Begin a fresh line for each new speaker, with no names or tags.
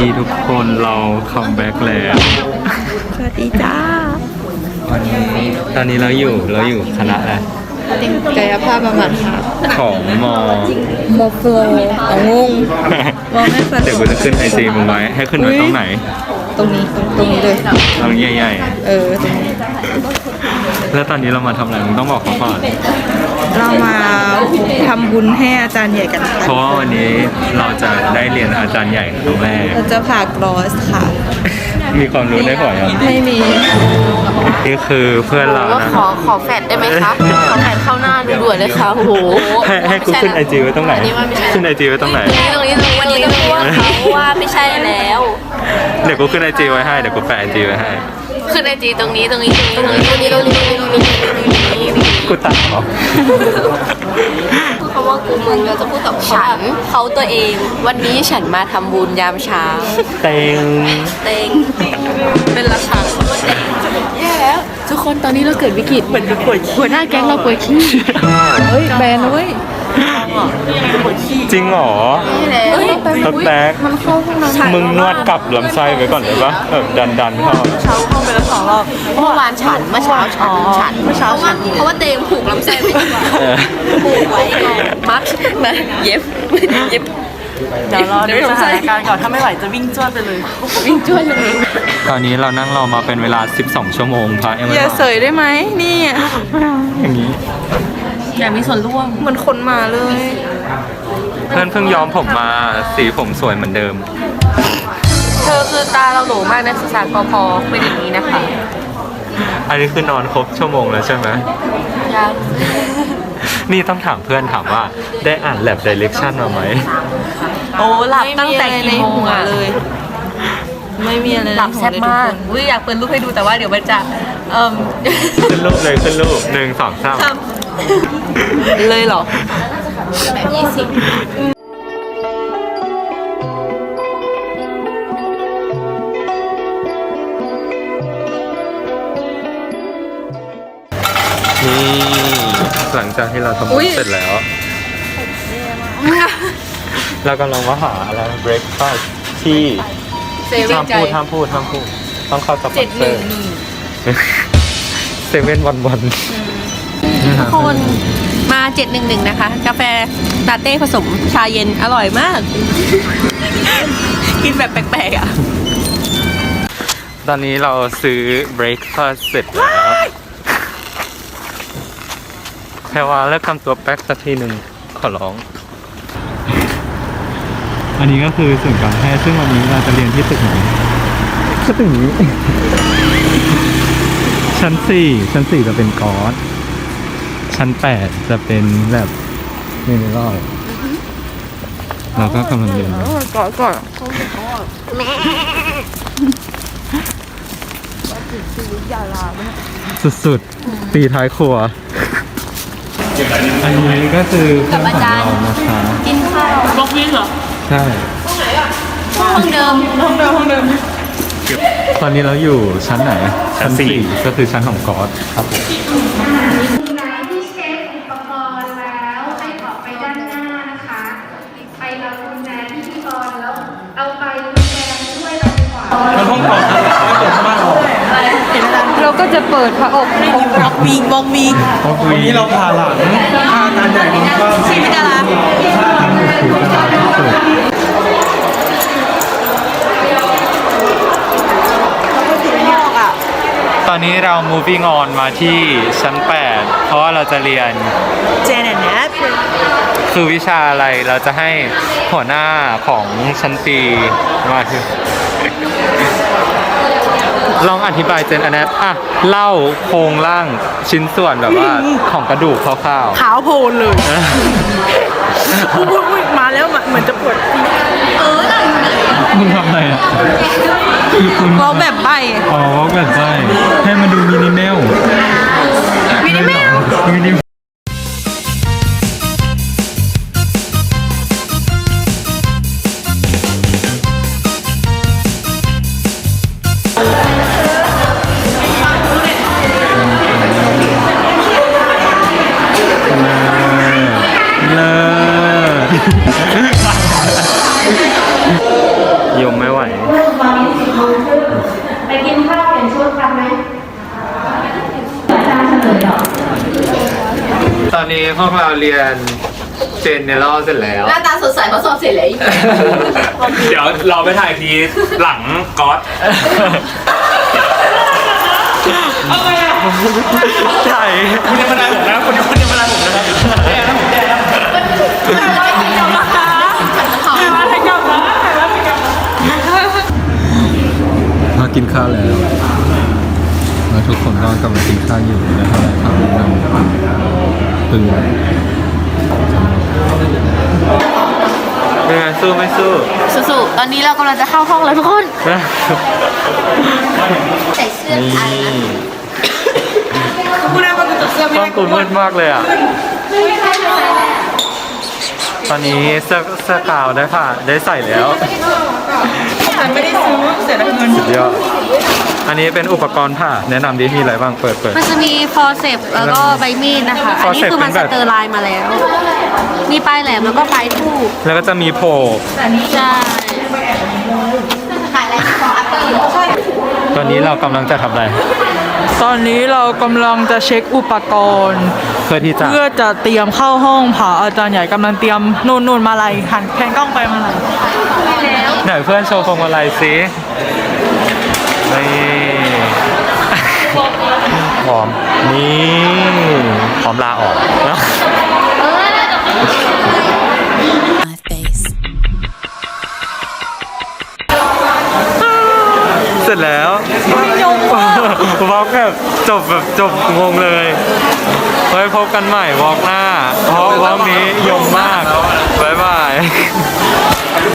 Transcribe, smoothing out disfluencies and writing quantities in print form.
ดีทุกคนเราคัมแบ็กแล้ว
สวัสดีจ้า
ตอนนี้เราอยู่คณะอะไร
กายภาพบำบัดค่ะ
ของมอ
โมโฟเอางงมองไม่สะด
เดี๋ยว
ว
กู
ก
จะขึ้นไอจีมึงไว้ให้ขึ้นไว้ตรงไหน
ตรงนี้เลย
ตรงใหญ่
ตรงนี้
ๆแล้วตอนนี้เรามาทำอะไรมึงต้องบอกเขาก่อน
เรามาทำบุญให้อาจารย์ใหญ่กันค่ะ
เพราะว่าวันนี้เราจะได้เรียนอาจารย์ใหญ่ครั้งแรก
เราจะผ่ากรอสค่ะ
มีความรู้ได้ก่อนยัง
ไม่มี
นี่คือเพื่อนเรานะ
ขอแฟดได้ไหมคะ ขอแฟดเข้าหน้าด่วนๆเลยค่ะโอ้โห
ให้กูขึ้นไอจีไว้ตรงไหน
อันนี้ว่าไม่ใช่
ขึ้นไอจีไว้ตรงไหน
ตรงนี้วันนี้ต้องพูดว่าเขาว่าไม่ใช่แล้ว
เดี๋ยวกูขึ้นไอจีไว้ให้เดี๋ยวกูแปะไอจีไว้ให้
ขึ้นไอจีตรงนี้
กูตัดเหรอ
เพราะว่ากูมึงเราจะพูดกับฉันเขาตัวเอง วันนี้ฉันมาทำบุญยามเช้า
เต็ง
เต็งเป็นราคาแย่แล้วทุกคนตอนนี้เราเกิดวิกฤตเหมือนป่วยหัวหน้าแก๊งเราป่วยขี้
เฮ้ยแบนเว้ย
จริงเหรอ
เฮ้ย
รถแบ็ค
มันเข้าห้องน้ำ
มึงนวดกลับลำไส้ไว้ก่อนเลยปะแบบดันเข้า
เช้าเข้าไปแล้ว2 รอบ
เมื่อวานฉันเมื่อเช้าฉันเพราะว่าเตงผูกลำไส้ไว้ดีกว่า ผูกไว้ไงมัดมาเย็บ
เดี๋ยวรอดูสถานการณ์ก่อนถ้าไม่ไหวจะวิ่งจ้วดไปเลย
วิ่งช่วยเลย
ตอนนี้เรานั่งรอมาเป็นเวลา12 ชั่วโมงพระยังไม่
อย่า
มา
เสยได้ไหมนี่
อย่างนี้
อยากมีส่วนร่วม
เหมือนคนมาเลย
เพื่อนเพิ่งย้อมผมมาสีผมสวยเหมือนเดิม
เธอคือตาเราโหลมากนักศึกษากพเป็นอย่างนี้นะคะ
อันนี้คือนอนครบชั่วโมงแล้วใช่ไหม
ยัง
นี่ต้องถามเพื่อนถามว่าได้อ่าน lab direction มาไหม
โอ้หลับตั้งแต่กี่โมงอ่ะ
เลย ไม่มีอะไรใน
หลับแซ่บมาก
หัวเลยทุคน
อุ้ยอยากเปิดรูปให้ดูแต่ว่าเดี๋ยวมันจะ
ขึ้นรูปเลยขึ้นรูป1 2 3
เลยเหรอ
แบบ20
นี่หลังจากที่เราทำบุญเสร็จแล้ว เรากำลังมาหาอะไร breakfast ที่ห้ามพูดต้องเข้าสปอนเซอร์เซเว่นวัน
ทุกคนมา711นะคะ กาแฟลาเต้ผสมชาเย็นอร่อยมาก กินแบบแปลกๆอ่ะ
ตอนนี้เราซื้อ breakfast เสร็จแล้วแพรว่าเลิกทำตัวแป๊กสักทีหนึ่งขอร้อง อันนี้ก็คือศูนย์การแพทย์ซึ่งวันนี้เราจะเรียนที่ตึกไหนก็ตึกนี้ ชั้น 4จะเป็นกอสชั้น 8จะเป็นแบบเมนเรลเราก็กำลังเรียนอยู่
ก่อน
สุดๆ ตีท้ายครัว อันนี้ก็คือเพื่อนของเรานะคะ
กินข้าว
บล็อกวิ่งเหรอ
ใช่
ห้องเดิม
ตอนนี้เราอยู่ชั้นไหน ชั้น 4 ก็คือชั้นของกอสครับผม
คุณนายที่เช็คอุปกรณ์แล้วให้ออกไปด้านหน้านะคะ ไปรับกุญแจพิธีกรแล้วเอาไปกุญแจด้วยเราดีกว่า
เราก็จะเปิดพระอบ
บล็อกวิ่ง
วันนี้เราพาหลังพาอาจารย์ใหญ่มาบ้าง
ชีวิตดารา
ตอนนี้เรา moving on มาที่ชั้น 8 เพราะว่าเราจะเรียน
เจนแนท
คือวิชาอะไรเราจะให้หัวหน้าของชั้นปีมาถึงลองอธิบายเจนอันนี้เล่าโครงร่างชิ้นส่วนแบบว่าของกระดูกคร่าวๆ
ขาวโพลนเลยอุ้ยมาแล้วเหมือนจะปวด
มึงทำอะไรอ่ะ
เราแบบใบ
อ๋อแบบใช่ให้มันดูมินิเมลมินิเมลยมไม่ไหวพวกเราเรียนเจนเนอรัลเสร็จแล้ว
หน้าตาสดใสเพราะสอบเสร็จแล้วอีก
เดี๋ยวเราไปถ่ายทีหลังก๊อต
ใช่
คุณยังมาได้ผมนะคุณยังมาได้ผมนะครับแย่นะผมแย่นะ
มากินข้าวแล้วแล้วทุกคนก็กำลังกินข้าวอยู่นะครับข้าวนั่งตึงเป็นไงสู้ไม่สู้
สู้ๆตอนนี้เรากำลังจะเข้าห้องแล้วทุกคนใส่เสื้อ
นี่
อะไรนะ
ต้องกูมืดมากเลยอ่ะ ตอนนี้เสื้อกาวได้ใส่แล้ว
แต่ไม่ได้ซื้อเสียดายเงิน
สุดยอดอันนี้เป็นอุปกรณ์ผ่าแนะนำดิมีอะไรบ้างเปิด
มันจะมีฟอร์เซปแล้วก็ใบมีดนะคะ อันนี้คือมันสเตอร์ไลน์มาแล้ว มีปลายแหลมแล้วก็ปลายทู่
แล้วก็จะมีโผล่
ใช่ขายอะไรของอัปเปอร์
ตอนนี้เรากำลังจะทำอะไร
ตอนนี้เรากำลังจะเช็คอุปกรณ์
เพื่อที่จะ
เพื่อจะเตรียมเข้าห้องผ่าอาจารย์ใหญ่กำลังเตรียมนู่นมาลัยหันแพนกล้องไปมาลัย
ไหนเพื่อนโชว์พวงมาลัยสินี่พร้อมนี่พร้อมลาออกนะ
my face.
เสร็จแล้ววอล์กแบบจบงงเลยไว้พบกันใหม่วอล์กหน้าเพราะวอล์กนี้ยงมากบ๊ายบาย